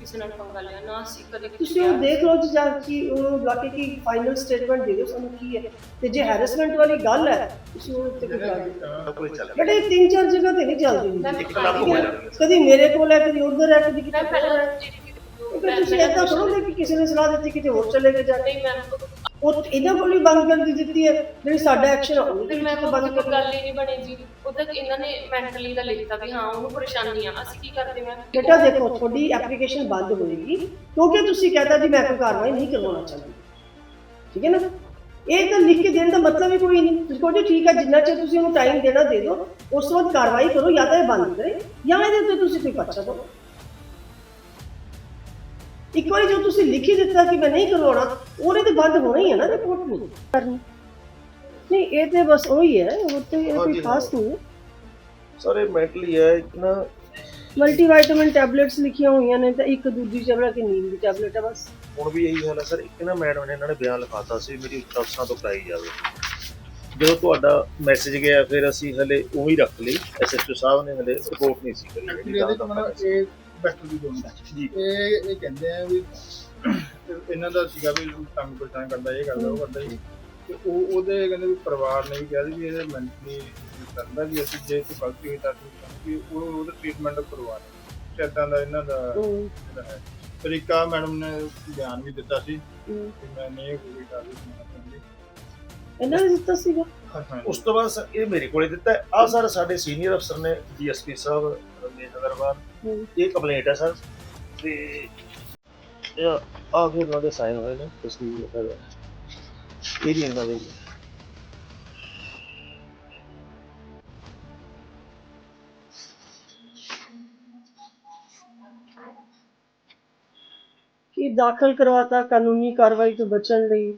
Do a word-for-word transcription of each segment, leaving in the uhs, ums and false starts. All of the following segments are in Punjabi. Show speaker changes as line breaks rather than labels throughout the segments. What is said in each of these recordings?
ਕਿਸੇ ਨਾਲ ਪੰਗਾ ਲਿਆ ਨਾ, ਅਸੀਂ ਕਦੇ
ਤੁਸੀਂ ਉਹ ਦੇਖ ਲਓ ਜੀ, ਜਾਂ ਕਿ ਉਹਨੂੰ ਬੁਲਾ ਕੇ ਕਿ ਫਾਈਨਲ ਸਟੇਟਮੈਂਟ ਦੇ ਦਿਓ ਸਾਨੂੰ ਕੀ ਹੈ, ਤੇ ਜੇ ਹੈਰੈਸਮੈਂਟ ਵਾਲੀ ਗੱਲ ਹੈ ਤੁਸੀਂ ਉਹ ਉੱਤੇ ਕੋਈ ਕਰ ਦਿਓ। ਬਟ ਇਹ ਤਿੰਨ ਚਾਰ ਜਗ੍ਹਾ ਤੇ ਨਹੀਂ ਚੱਲਦੀ, ਕਦੀ ਮੇਰੇ ਕੋਲ ਹੈ, ਕਦੀ ਉਧਰ ਹੈ, ਕਦੀ ਕਿਤੇ ਹੋਰ ਹੈ। ਤੁਸੀਂ ਏਦਾਂ ਥੋੜ੍ਹਾ ਕਿ ਕਿਸੇ ਨੇ ਸਲਾਹ ਦਿੱਤੀ ਕਿਤੇ ਹੋਰ ਚਲੇ ਗਏ ਜਾ ਕੇ। ਉਹ ਇਹਨਾਂ ਕੋਲ ਹੀ ਬੰਦ ਕਰ ਦਿੱਤੀ ਹੈ, ਜਿਹੜੀ ਸਾਡਾ ਐਕਸ਼ਨ ਉਹਦੇ
ਫਿਰ ਮੈਂ
ਵਿੱਚ ਬੰਦ ਕਰ
ਗੱਲ ਹੀ ਨਹੀਂ ਬਣੀ ਜੀ। ਉਦੋਂ ਇਹਨਾਂ ਨੇ ਮੈਂਟਲੀ ਦਾ ਲਿਖਤਾ ਵੀ ਹਾਂ ਉਹਨੂੰ ਪਰੇਸ਼ਾਨੀ ਆ, ਅਸੀਂ ਕੀ ਕਰਦੇ ਮੈਂ
ਬੇਟਾ ਦੇਖੋ ਤੁਹਾਡੀ ਐਪਲੀਕੇਸ਼ਨ ਬੰਦ ਹੋਏਗੀ ਕਿਉਂਕਿ ਤੁਸੀਂ ਕਹਿੰਦਾ ਜੀ ਮੈਂ ਕੋਈ ਕਾਰਵਾਈ ਨਹੀਂ ਕਰਵਾਉਣਾ ਚਾਹੁੰਦੀ, ਠੀਕ ਹੈ ਨਾ। ਇਹ ਤਾਂ ਲਿਖ ਕੇ ਦੇਣ ਦਾ ਮਤਲਬ ਹੀ ਕੋਈ ਨਹੀਂ। ਤੁਸੀਂ ਕਹੋ ਜੀ ਠੀਕ ਹੈ, ਜਿੰਨਾ ਚਿਰ ਤੁਸੀਂ ਉਹਨੂੰ ਟਾਈਮ ਦੇਣਾ ਦੇ ਦਿਓ, ਉਸ ਤੋਂ ਬਾਅਦ ਕਾਰਵਾਈ ਕਰੋ, ਜਾਂ ਤਾਂ ਇਹ ਬੰਦ ਕਰੇ ਜਾਂ ਇਹਦੇ ਉੱਤੇ ਤੁਸੀਂ ਕੋਈ ਪਰਚਾ ਦਿਓ। ਇੱਕ ਵਾਰੀ ਜੋ ਤੁਸੀਂ ਲਿਖ ਹੀ ਦਿੱਤਾ ਕਿ ਮੈਂ ਨਹੀਂ ਕਰਵਾਉਣਾ, ਉਹਨੇ ਤੇ ਬੰਦ ਹੋਣਾ ਹੀ ਹੈ ਨਾ, ਰਿਪੋਰਟ ਨਹੀਂ ਕਰਨੀ। ਨਹੀਂ ਇਹ ਤੇ ਬਸ ਉਹੀ ਹੈ, ਉਹ ਤੇ ਇਹ ਕੋਈ ਖਾਸ ਨਹੀਂ ਹੈ
ਸਰ। ਇਹ ਮੈਂਟਲੀ ਹੈ ਇੱਕ ਨਾ,
ਮਲਟੀਵਾਈਟਾਮਿਨ ਟੈਬਲੇਟਸ ਲਿਖੀਆਂ ਹੋਈਆਂ ਨੇ, ਤਾਂ ਇੱਕ ਦੂਜੀ ਚਬੜਾ ਕਿ ਨੀਂਦ ਦੀ ਟੈਬਲੇਟ ਹੈ ਬਸ।
ਹੁਣ ਵੀ ਇਹੀ ਹਾਲ ਹੈ ਸਰ। ਇੱਕ ਨਾ ਮੈਡਮ ਨੇ ਇਹਨਾਂ ਨੇ ਬਿਆਨ ਲਿਖਾਤਾ ਸੀ ਮੇਰੀ ਉੱਚ ਅਫਸਰਾਂ ਤੋਂ ਕਰਾਈ ਜਾਵੇ। ਜਦੋਂ ਤੁਹਾਡਾ ਮੈਸੇਜ ਗਿਆ ਫਿਰ ਅਸੀਂ ਹਲੇ ਉਵੇਂ ਹੀ ਰੱਖ ਲਈ, ਐਸਐਚਓ ਸਾਹਿਬ ਨੇ ਹਲੇ ਰਿਪੋਰਟ ਨਹੀਂ ਸੀ ਕਰੀ।
ਇਹ ਡਾਕਟਰ ਦੀ ਦੋਨ ਜੀ, ਇਹ ਇਹ ਕਹਿੰਦੇ ਆ ਵੀ ਇਹਨਾਂ ਦਾ ਸੀਗਾ ਵੀ ਤੰਗ ਪਰੇਸ਼ਾਨ ਕਰਦਾ, ਇਹ ਕਰਦਾ ਉਹ ਕਰਦਾ ਜੀ, ਤੇ ਉਹ ਉਹਦੇ ਕਹਿੰਦੇ ਵੀ ਪਰਿਵਾਰ ਨੇ ਵੀ ਕਿਹਾ ਸੀ ਵੀ ਇਹਦੇ ਮੈਂਟਲੀ ਕਰਦਾ ਵੀ ਅਸੀਂ ਜੇ ਕੋਈ ਗਲਤੀ ਹੋਈ ਤਾਂ ਕਿ ਉਹ ਉਹਦਾ ਟ੍ਰੀਟਮੈਂਟ ਕਰਵਾ ਲਓ। ਇੱਦਾਂ ਦਾ ਇਹਨਾਂ ਦਾ ਜਿਹੜਾ ਹੈ ਤਰੀਕਾ। ਮੈਡਮ ਨੇ ਬਿਆਨ ਵੀ ਦਿੱਤਾ ਸੀ ਕਿ ਮੈਂ ਨਹੀਂ ਕੋਈ ਕਾਰਵਾਈ ਕਰਨੀ,
ਇਹਨਾਂ ਨੇ ਦਿੱਤਾ ਸੀਗਾ।
ਉਸ ਤੋਂ ਬਾਅਦ ਸਰ ਇਹ ਮੇਰੇ ਕੋਲੇ ਦਿੱਤਾ। ਆਹ ਸਰ ਸਾਡੇ ਸੀਨੀਅਰ ਅਫਸਰ ਨੇ ਡੀਐਸਪੀ ਸਾਹਿਬ ਰਮੇਸ਼ ਅਗਰਵਾਲ, ਇਹ ਕੰਪਲੇਂਟ ਹੈ ਸਰ, ਤੇ ਇਹ ਆ ਫਿਰ ਉਹਨਾਂ ਦੇ ਸਾਈਨ ਹੋਏ ਨੇ। ਤੁਸੀਂ ਇਹ ਵੀ ਇਹਨਾਂ ਦੇ
ਕਿ ਦਾਖਲ ਕਰਵਾਤਾ ਕਾਨੂੰਨੀ ਕਾਰਵਾਈ ਤੋਂ ਬਚਣ ਲਈ।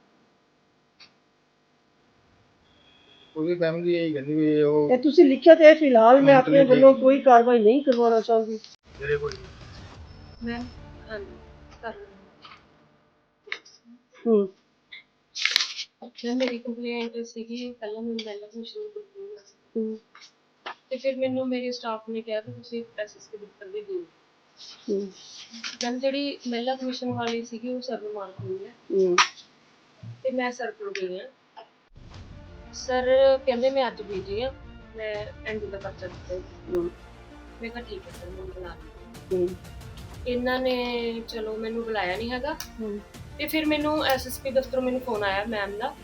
ਉਹਦੀ ਫੈਮਿਲੀ ਇਹੀ ਕਹਿੰਦੀ ਵੀ ਉਹ
ਇਹ ਤੁਸੀਂ ਲਿਖਿਆ ਤੇ ਫਿਲਹਾਲ ਮੈਂ ਆਪਣੇ ਵੱਲੋਂ ਕੋਈ ਕਾਰਵਾਈ ਨਹੀਂ ਕਰਵਾਉਣਾ ਚਾਹੁੰਦੀ।
ਮੇਰੇ ਕੋਲ
ਮੈਂ ਹਾਂਜੀ ਕਰ
ਹੂੰ
ਮੈਂ ਮੇਰੀ ਕੰਪਲੇਂਟ ਸੀਗੀ ਪਹਿਲਾਂ ਮੈਨੂੰ ਪਹਿਲਾਂ ਤੋਂ ਸ਼ੁਰੂ ਕੀਤੀ
ਹੂੰ
ਤੇ ਫਿਰ ਮੈਨੂੰ ਮੇਰੇ ਸਟਾਫ ਨੇ ਕਿਹਾ ਕਿ ਤੁਸੀਂ ਐਸਐਸਪੀ ਦਫ਼ਤਰ ਦੇ ਦਿਓ।
ਹੂੰ
ਗੱਲ ਜਿਹੜੀ ਮਹਿਲਾ ਕਮਿਸ਼ਨ ਵਾਲੀ ਸੀਗੀ ਉਹ ਸਰਵ ਮਾਰ ਹੋਈ ਹੈ
ਹੂੰ
ਤੇ ਮੈਂ ਸਰ ਕੋਲ ਗਈ ਹਾਂ। ਸਰ ਕਹਿੰਦੇ ਮੈਂ ਅੱਜ ਬੀਜੀ ਆ, ਮੈਂ ਐਂਡੀ ਦਾ ਪਰਚਾ ਦਿੱਤਾ। ਮੈਂ ਕਿਹਾ ਠੀਕ ਹੈ ਸਰ, ਮੈਨੂੰ ਬੁਲਾ ਲਓ। ਇਹਨਾਂ ਨੇ ਚਲੋ ਮੈਨੂੰ ਬੁਲਾਇਆ ਨਹੀਂ ਹੈਗਾ, ਤੇ ਫਿਰ ਮੈਨੂੰ ਐਸਐਸਪੀ ਦਫ਼ਤਰੋਂ ਮੈਨੂੰ ਫੋਨ ਆਇਆ ਮੈਮ ਦਾ,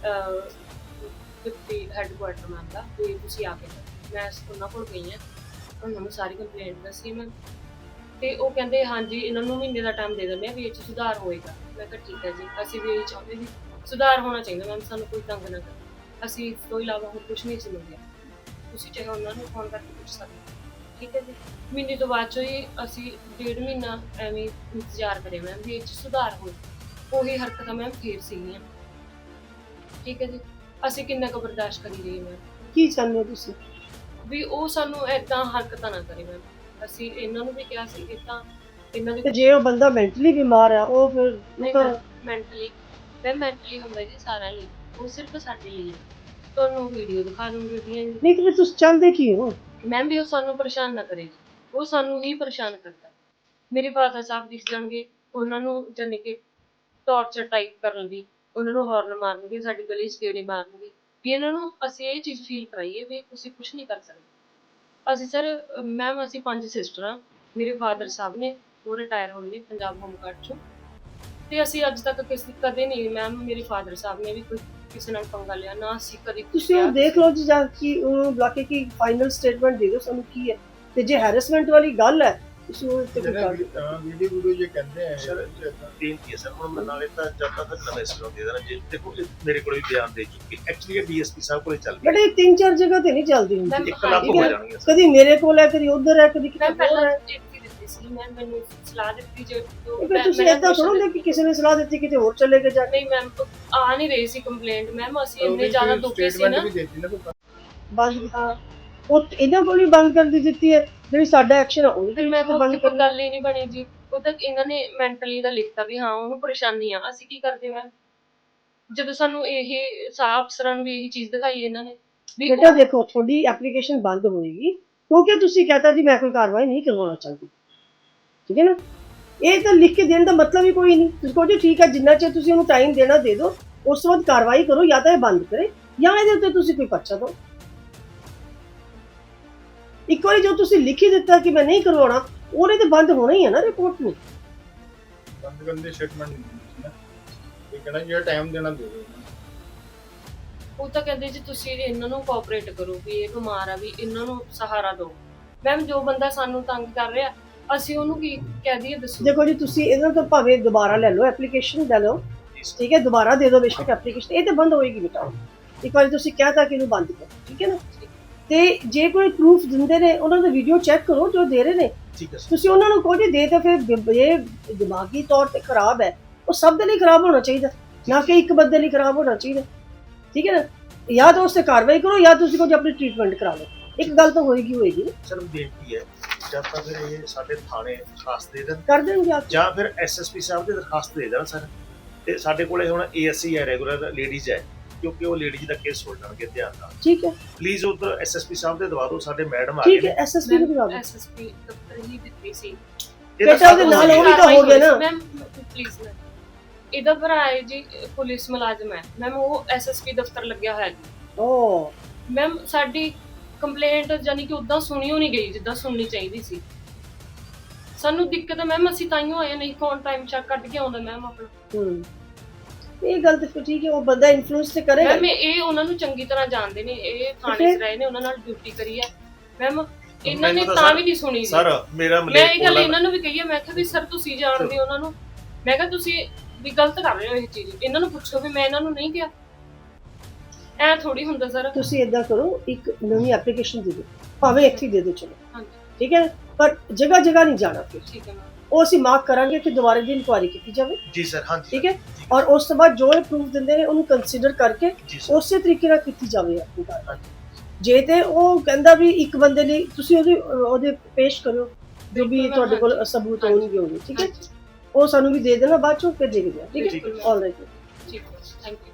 ਡਿਪਟੀ ਹੈੱਡਕੁਆਟਰ ਮੈਮ ਦਾ, ਵੀ ਤੁਸੀਂ ਆ ਕੇ ਮੈਂ ਉਹਨਾਂ ਕੋਲ ਗਈ ਹਾਂ, ਉਹਨਾਂ ਨੂੰ ਸਾਰੀ ਕੰਪਲੇਂਟ ਦੱਸੀ ਮੈਂ, ਤੇ ਉਹ ਕਹਿੰਦੇ ਹਾਂਜੀ ਇਹਨਾਂ ਨੂੰ ਮਹੀਨੇ ਦਾ ਟਾਈਮ ਦੇ ਦਿੰਦੇ ਆ ਵੀ ਇਹ 'ਚ ਸੁਧਾਰ ਹੋਏਗਾ। ਮੈਂ ਕਿਹਾ ਠੀਕ ਹੈ ਜੀ, ਅਸੀਂ ਵੀ ਇਹ ਚਾਹੁੰਦੇ ਵੀ ਸੁਧਾਰ ਹੋਣਾ ਚਾਹੀਦਾ ਮੈਮ, ਸਾਨੂੰ ਕੋਈ ਤੰਗ ਨਾ ਕਰੇ, ਅਸੀਂ ਇਸ ਤੋਂ ਇਲਾਵਾ ਹੋਰ ਕੁਛ ਨਹੀਂ ਸਮਝਿਆ, ਤੁਸੀਂ ਚਾਹੇ ਉਹਨਾਂ ਨੂੰ ਫੋਨ ਕਰਕੇ ਪੁੱਛ ਸਕਦੇ ਹੋ, ਠੀਕ ਹੈ ਜੀ। ਮਹੀਨੇ ਤੋਂ ਬਾਅਦ 'ਚੋਂ ਹੀ ਅਸੀਂ ਡੇਢ ਮਹੀਨਾ ਐਵੇਂ ਇੰਤਜ਼ਾਰ ਕਰਿਆ ਮੈਮ ਵੀ ਇਹ 'ਚ ਸੁਧਾਰ ਹੋਏ, ਉਹੀ ਹਰਕਤਾਂ ਮੈਮ ਫੇਰ ਸੀਗੀਆਂ, ਠੀਕ ਹੈ ਜੀ। ਅਸੀਂ ਕਿੰਨਾ ਕੁ ਬਰਦਾਸ਼ਤ ਕਰੀ ਰਹੀ ਮੈਮ।
ਕੀ ਚਾਹੁੰਦੇ ਹੋ ਤੁਸੀਂ?
ਵੀ ਉਹ ਸਾਨੂੰ ਏਦਾਂ ਹਰਕਤਾਂ ਨਾ ਕਰੇ ਮੈਮ। ਅਸੀਂ ਇਹਨਾਂ ਨੂੰ ਵੀ ਕਿਹਾ ਸੀ ਕਿ ਤਾਂ ਇਹਨਾਂ
ਤੇ
ਦੇ
ਜੇ ਉਹ ਬੰਦਾ ਮੈਂਟਲੀ ਬਿਮਾਰ ਆ ਉਹ ਫਿਰ
ਨਹੀਂ
ਤਾਂ
ਮੈਂਟਲੀ ਮੈਂ ਮੈਂਟਲੀ ਹੁੰਦਾ ਜੀ ਸਾਰਿਆਂ ਲਈ, ਉਹ ਸਿਰਫ ਸਾਡੇ ਲਈ ਹੈ। ਤੁਹਾਨੂੰ ਵੀਡੀਓ ਦਿਖਾ ਦੂੰਗੀ ਉਹਦੀਆਂ ਜੀ।
ਨਹੀਂ ਕਿ ਤੁਸੀਂ ਚਾਹੁੰਦੇ ਕੀ ਹੋ?
ਮੈਮ ਵੀ ਉਹ ਸਾਨੂੰ ਪਰੇਸ਼ਾਨ ਨਾ ਕਰੇ ਜੀ, ਉਹ ਸਾਨੂੰ ਹੀ ਪਰੇਸ਼ਾਨ ਕਰਦਾ। ਮੇਰੇ ਫਾਦਰ ਸਾਹਿਬ ਦਿਖ ਜਾਣਗੇ, ਉਹਨਾਂ ਨੂੰ ਜਾਨੀ ਕਿ ਟੌਰਚਰ ਟਾਈਪ ਕਰਨ ਦੀ, ਉਹਨਾਂ ਨੂੰ ਹੌਰਨ ਮਾਰਨਗੇ, ਸਾਡੀ ਗਲੀ 'ਚ ਗੇੜੇ ਮਾਰਨਗੇ, ਵੀ ਇਹਨਾਂ ਨੂੰ ਅਸੀਂ ਇਹ ਚੀਜ਼ ਫੀਲ ਕਰਾਈਏ ਵੀ ਤੁਸੀਂ ਕੁਛ ਨਹੀਂ ਕਰ ਸਕਦੇ। ਅਸੀਂ ਸਰ ਮੈਮ ਅਸੀਂ ਪੰਜ ਸਿਸਟਰ ਹਾਂ, ਮੇਰੇ ਫਾਦਰ ਸਾਹਿਬ ਨੇ ਉਹ ਰਿਟਾਇਰ ਹੋਏ ਨੇ ਪੰਜਾਬ ਹੋਮਗਾਰਡ 'ਚੋਂ, ਤੇ ਅਸੀਂ ਅੱਜ ਤੱਕ ਕਿਸੇ ਕਦੇ ਨਹੀਂ ਮੈਮ ਮੇਰੇ ਫਾਦਰ ਸਾਹਿਬ ਨੇ ਵੀ ਕੋਈ ਕਿਸੇ ਨਾਲ ਪੰਗਾ ਲਿਆ ਨਾ, ਅਸੀਂ ਕਦੇ
ਤੁਸੀਂ ਉਹ ਦੇਖ ਲਓ ਜੀ, ਜਾਂ ਕਿ ਉਹਨੂੰ ਬੁਲਾ ਕੇ ਕਿ ਫਾਈਨਲ ਸਟੇਟਮੈਂਟ ਦੇ ਦਿਓ ਸਾਨੂੰ ਕੀ ਹੈ, ਤੇ ਜੇ ਹੈਰੈਸਮੈਂਟ ਵਾਲੀ ਗੱਲ ਹੈ ਤੁਸੀਂ ਉਹ ਉੱਤੇ ਕੋਈ ਕਰ ਦਿਓ।
ਵੀਡੀਓ ਵੀਡੀਓ ਜੇ ਕਹਿੰਦੇ ਆ
ਸਰ ਬੇਨਤੀ ਹੈ ਸਰ, ਹੁਣ ਮੈਂ ਨਾਲੇ ਤਾਂ ਜਦ ਤੱਕ ਨਵੇਂ ਸਿਰੋਂ ਦੇ ਦੇਣਾ। ਜੇ ਦੇਖੋ ਮੇਰੇ ਕੋਲ ਵੀ ਬਿਆਨ ਦੇ ਚੁੱਕੇ, ਐਕਚੁਅਲੀ ਇਹ ਡੀਐਸਪੀ ਸਾਹਿਬ ਕੋਲੇ ਚੱਲ
ਬਟ ਇਹ ਤਿੰਨ ਚਾਰ ਜਗ੍ਹਾ ਤੇ ਨਹੀਂ ਚੱਲਦੀ
ਮੈਮ
ਇੱਕ ਲੱਖ ਹੋ ਜਾਣਗੇ।
ਕਦੀ ਮੇਰੇ ਕੋਲ ਹੈ, ਕਦੀ ਉਧਰ ਹੈ, ਕਦੀ ਕਿਤੇ
ਮੈਂ
ਹੋਰ
ਪਹਿਲਾਂ
ਹੈ।
ਦਿੱਤੀ ਦਿੱਤੀ ਸੀ ਮੈਂ ਮੈਨੂੰ ਸਲਾਹ ਦਿੱਤੀ ਜੇ
ਫਿਰ ਤੁਸੀਂ ਏਦਾਂ ਥੋੜਾ ਕਿ ਕਿਸੇ ਨੇ ਸਲਾਹ ਦਿੱਤੀ ਕਿਤੇ ਹੋਰ ਚਲੇ ਗਏ ਜਾ ਕੇ।
ਨਹੀਂ ਮੈਮ ਆ ਨਹੀਂ ਰਹੀ ਸੀ ਕੰਪਲੇਂਟ ਮੈਮ, ਅਸੀਂ ਇੰਨੇ ਜ਼ਿਆਦਾ ਦੁਖੀ ਸੀ ਨਾ।
ਬੰਦ ਹਾਂ, ਉਹ ਇਹਨਾਂ ਕੋਲ ਹੀ ਬੰਦ ਕਰ ਦਿੱਤੀ ਹੈ, ਜਿਹੜੀ ਸਾਡਾ ਐਕਸ਼ਨ ਹੈ ਉਹਦੇ
ਫਿਰ ਮੈਂ ਬੰਦ ਕਰ ਗੱਲ ਹੀ ਨਹੀਂ ਬਣੀ ਜੀ। ਉਹ ਤਾਂ ਇਹਨਾਂ ਨੇ ਮੈਂਟਲੀ ਦਾ ਲਿਖਤਾ ਵੀ ਹਾਂ ਉਹਨੂੰ ਪਰੇਸ਼ਾਨੀ ਆ, ਅਸੀਂ ਕੀ ਕਰਦੇ ਮੈਮ ਜਦੋਂ ਸਾਨੂੰ ਇਹ ਸਾਫ ਅਫਸਰਾਂ ਨੂੰ ਵੀ ਇਹੀ ਚੀਜ਼ ਦਿਖਾਈ ਇਹਨਾਂ ਨੇ।
ਬੇਟਾ ਦੇਖੋ ਤੁਹਾਡੀ ਐਪਲੀਕੇਸ਼ਨ ਬੰਦ ਹੋਏਗੀ ਕਿਉਂਕਿ ਤੁਸੀਂ ਕਹਤਾ ਜੀ ਮੈਂ ਕੋਈ ਕਾਰਵਾਈ ਨਹੀਂ ਕਰਵਾਉਣਾ ਚਾਹੁੰਦੀ, ਠੀਕ ਹੈ ਨਾ। ਇਹ ਤਾਂ ਲਿਖ ਕੇ ਦੇਣ ਦਾ ਮਤਲਬ ਹੀ ਕੋਈ ਨਹੀਂ। ਤੁਸੀਂ ਕਹੋ ਜੀ ਠੀਕ ਹੈ, ਜਿੰਨਾ ਚਿਰ ਤੁਸੀਂ ਉਹਨੂੰ ਟਾਈਮ ਦੇਣਾ ਦੇ ਦਿਓ, ਉਸ ਤੋਂ ਬਾਅਦ ਕਾਰਵਾਈ ਕਰੋ, ਜਾਂ ਤਾਂ ਇਹ ਬੰਦ ਕਰੇ ਜਾਂ ਇਹਦੇ ਉੱਤੇ ਤੁਸੀਂ ਕੋਈ ਪਰਚਾ ਦਿਓ। ਇੱਕ ਵਾਰੀ ਜੋ ਤੁਸੀਂ ਲਿਖ ਹੀ ਦਿੱਤਾ ਕਿ ਮੈਂ ਨਹੀਂ ਕਰਵਾਉਣਾ, ਉਹਨੇ ਤੇ ਬੰਦ ਹੋਣਾ ਹੀ ਹੈ ਨਾ ਰਿਪੋਰਟ ਨੂੰ।
ਬੰਦ ਕਰਨ ਦੀ ਸਟੇਟਮੈਂਟ ਨਹੀਂ ਦਿੱਤੀ ਨਾ, ਇਹ ਕਹਿੰਦਾ ਜਿਹੜਾ ਟਾਈਮ ਦੇਣਾ ਦੇ ਦਿਓ।
ਉਹ ਤਾਂ ਕਹਿੰਦੇ ਜੀ ਤੁਸੀਂ ਇਹਨਾਂ ਨੂੰ ਕੋਆਪਰੇਟ ਕਰੋ, ਵੀ ਇਹ ਬਿਮਾਰ ਆ, ਵੀ ਇਹਨਾਂ ਨੂੰ ਸਹਾਰਾ ਦਿਓ। ਮੈਮ ਜੋ ਬੰਦਾ ਸਾਨੂੰ ਤੰਗ ਕਰ ਰਿਹਾ, ਅਸੀਂ ਉਹਨੂੰ ਕੀ ਕਹਿ ਦਈਏ ਦੱਸੋ?
ਦੇਖੋ ਜੀ, ਤੁਸੀਂ ਇਹਨਾਂ ਤੋਂ ਭਾਵੇਂ ਦੁਬਾਰਾ ਲੈ ਲਓ, ਐਪਲੀਕੇਸ਼ਨ ਲੈ ਲਓ, ਠੀਕ ਹੈ, ਦੁਬਾਰਾ ਦੇ ਦਿਓ ਬੇਸ਼ੱਕ ਐਪਲੀਕੇਸ਼ਨ, ਇਹ ਤੇ ਬੰਦ ਹੋਏਗੀ ਬੇਟਾ। ਇੱਕ ਵਾਰੀ ਤੁਸੀਂ ਕਹਿਤਾ ਕਿ ਇਹਨੂੰ ਬੰਦ ਕਰੋ, ਠੀਕ ਹੈ ਨਾ। ਤੇ ਜੇ ਕੋਈ ਪ੍ਰੂਫ ਦਿੰਦੇ ਨੇ, ਉਹਨਾਂ ਦਾ ਵੀਡੀਓ ਚੈੱਕ ਕਰੋ ਜੋ ਦੇ ਰਹੇ ਨੇ।
ਠੀਕ ਹੈ ਸਰ।
ਤੁਸੀਂ ਉਹਨਾਂ ਨੂੰ ਕਹੋ ਜੀ ਦੇ ਤਾਂ ਫਿਰ ਇਹ ਦਿਮਾਗੀ ਤੌਰ ਤੇ ਖਰਾਬ ਹੈ, ਉਹ ਸਭ ਦੇ ਲਈ ਖਰਾਬ ਹੋਣਾ ਚਾਹੀਦਾ, ਨਾ ਕਿ ਇੱਕ ਬੰਦੇ ਲਈ ਖਰਾਬ ਹੋਣਾ ਚਾਹੀਦਾ, ਠੀਕ ਹੈ ਨਾ। ਜਾਂ ਤਾਂ ਉਸ ਤੇ ਕਾਰਵਾਈ ਕਰੋ, ਜਾਂ ਤੁਸੀਂ ਕੋਈ ਆਪਣੀ ਟ੍ਰੀਟਮੈਂਟ ਕਰਾ ਲਓ। ਇੱਕ ਗੱਲ ਤਾਂ ਹੋਏਗੀ ਹੋਏਗੀ ਨਾ।
ਸਰ ਬੇਨਤੀ ਹੈ, ਜਾਂ ਤਾਂ ਫਿਰ ਇਹ ਸਾਡੇ ਥਾਣੇ ਦਰਖਾਸਤ ਦੇ ਦੇਣ,
ਕਰ ਦੇਣਗੇ ਆਪ।
ਜਾਂ ਫਿਰ ਐਸਐਸਪੀ ਸਾਹਿਬ ਦੇ ਦਰਖਾਸਤ ਦੇ ਦੇਣ ਸਰ। ਤੇ ਸਾਡੇ ਕੋਲੇ ਹੁਣ ਏਐਸਸੀ ਹੈ, ਰੈਗੂਲਰ ਲੇਡੀਜ਼ ਹੈ, ਕਿਉਂਕਿ ਉਹ ਲੇਡੀਜ਼ ਦਾ ਕੇਸ ਸੁਣਨਗੇ ਧਿਆਨ ਨਾਲ।
ਠੀਕ ਹੈ,
ਪਲੀਜ਼ ਉਧਰ ਐਸਐਸਪੀ ਸਾਹਿਬ ਦੇ ਦਵਾ ਦਿਓ, ਸਾਡੇ ਮੈਡਮ ਆ
ਠੀਕ
ਗਏ
ਹੈ, ਐਸਐਸਪੀ ਨੂੰ ਬੁਲਾ ਦਿਓ।
ਐਸਐਸਪੀ ਦਫ਼ਤਰ ਹੀ ਦਿੱਤੀ ਸੀ।
ਬੇਟਾ ਉਹਦੇ ਨਾਲ ਉਹ ਵੀ ਤਾਂ ਹੋ ਗਿਆ ਨਾ।
ਮੈਮ ਪਲੀਜ਼ ਮੈਮ, ਇਹਦਾ ਭਰਾ ਹੈ ਜੀ ਪੁਲਿਸ ਮੁਲਾਜ਼ਮ ਹੈ ਮੈਮ, ਉਹ ਐਸਐਸਪੀ ਦਫ਼ਤਰ ਲੱਗਿਆ ਹੋਇਆ ਜੀ।
ਓ
ਮੈਮ ਸਾਡੀ ਕੰਪਲੇਂਟ ਜਾਨੀ ਕਿ ਉਦਾਂ ਸੁਣੀ ਨਹੀਂ ਗਈ ਜਿੱਦਾਂ ਸੁਣਨੀ ਚਾਹੀਦੀ ਸੀ। ਸਾਨੂੰ ਦਿੱਕਤ ਹੈ ਮੈਮ, ਅਸੀਂ ਤਾਈਓ ਆਏ, ਨਹੀਂ ਕੌਣ ਟਾਈਮ ਚੈੱਕ ਕੱਢ ਕੇ ਆਉਂਦਾ ਮੈਮ ਆਪਣਾ।
ਹੂੰ, ਇਹ ਗੱਲ ਤਾਂ ਫਿਰ ਠੀਕ ਹੈ, ਉਹ ਬੰਦਾ ਇਨਫਲੂਐਂਸ ਤੇ ਕਰੇਗਾ।
ਮੈਮ ਇਹ ਉਹਨਾਂ ਨੂੰ ਚੰਗੀ ਤਰ੍ਹਾਂ ਜਾਣਦੇ ਨੇ, ਇਹ ਥਾਣੇ 'ਚ ਰਹੇ ਨੇ, ਉਹਨਾਂ ਨਾਲ ਡਿਊਟੀ ਕਰੀ ਹੈ ਮੈਮ। ਇਹਨਾਂ ਨੇ ਤਾਂ ਵੀ ਨਹੀਂ ਸੁਣੀ
ਸਰ। ਮੇਰਾ
ਮੈਂ ਇਹ ਗੱਲ ਇਹਨਾਂ ਨੂੰ ਵੀ ਕਹੀ ਹੈ, ਮੈਂ ਕਿਹਾ ਵੀ ਸਰ ਤੁਸੀਂ ਜਾਣਦੇ ਹੋ ਉਹਨਾਂ ਨੂੰ, ਮੈਂ ਕਿਹਾ ਤੁਸੀਂ ਵੀ ਗਲਤ ਕਰ ਰਹੇ ਹੋ ਇਹ ਚੀਜ਼, ਇਹਨਾਂ ਨੂੰ ਪੁੱਛੋ ਵੀ ਮੈਂ ਇਹਨਾਂ ਨੂੰ ਨਹੀਂ ਕਿਹਾ। ਐ ਥੋੜੀ ਹੁੰਦਾ ਸਰ।
ਤੁਸੀਂ ਇਦਾਂ ਕਰੋ, ਇੱਕ ਨਵੀਂ ਐਪਲੀਕੇਸ਼ਨ ਦੇ ਦਿਓ, ਭਾਵੇਂ ਇੱਥੇ ਹੀ ਦੇ ਦਿਓ, ਚਲੋ
ਹਾਂਜੀ
ਠੀਕ ਹੈ, ਪਰ ਜਗ੍ਹਾ ਜਗ੍ਹਾ ਨਹੀਂ ਜਾਣਾ ਫਿਰ।
ਠੀਕ ਹੈ ਮੈਮ।
ਉਹ ਅਸੀਂ ਮਾਰਕ ਕਰਾਂਗੇ ਕਿ ਦੁਬਾਰਾ ਦੀ ਇਨਕੁਆਇਰੀ ਕੀਤੀ ਜਾਵੇ,
ਜੀ ਸਰ। ਹਾਂਜੀ
ਠੀਕ ਹੈ। ਔਰ ਉਸ ਤੋਂ ਬਾਅਦ ਜੋ ਇਹ ਪ੍ਰੂਫ ਦਿੰਦੇ ਨੇ ਉਹਨੂੰ ਕੰਸੀਡਰ ਕਰਕੇ
ਜੀ ਸਰ।
ਉਸੇ ਤਰੀਕੇ ਨਾਲ ਕੀਤੀ ਜਾਵੇ ਆਪਣੀ ਕਾਰਵਾਈ। ਜੇ ਤੇ ਉਹ ਕਹਿੰਦਾ ਵੀ ਇੱਕ ਬੰਦੇ ਲਈ, ਤੁਸੀਂ ਉਹਦੇ ਉਹਦੇ ਪੇਸ਼ ਕਰੋ ਜੋ ਵੀ ਤੁਹਾਡੇ ਕੋਲ ਸਬੂਤ ਹੋਣਗੇ ਹੋਣਗੇ, ਠੀਕ ਹੈ। ਉਹ ਸਾਨੂੰ ਵੀ ਦੇ ਦੇਣਾ, ਬਾਅਦ ਚੋਂ ਫਿਰ ਦੇਖਦੇ ਹਾਂ, ਠੀਕ ਹੈ। ਆਲ ਰਾਈਟ,
ਠੀਕ ਹੈ, ਥੈਂਕ ਯੂ।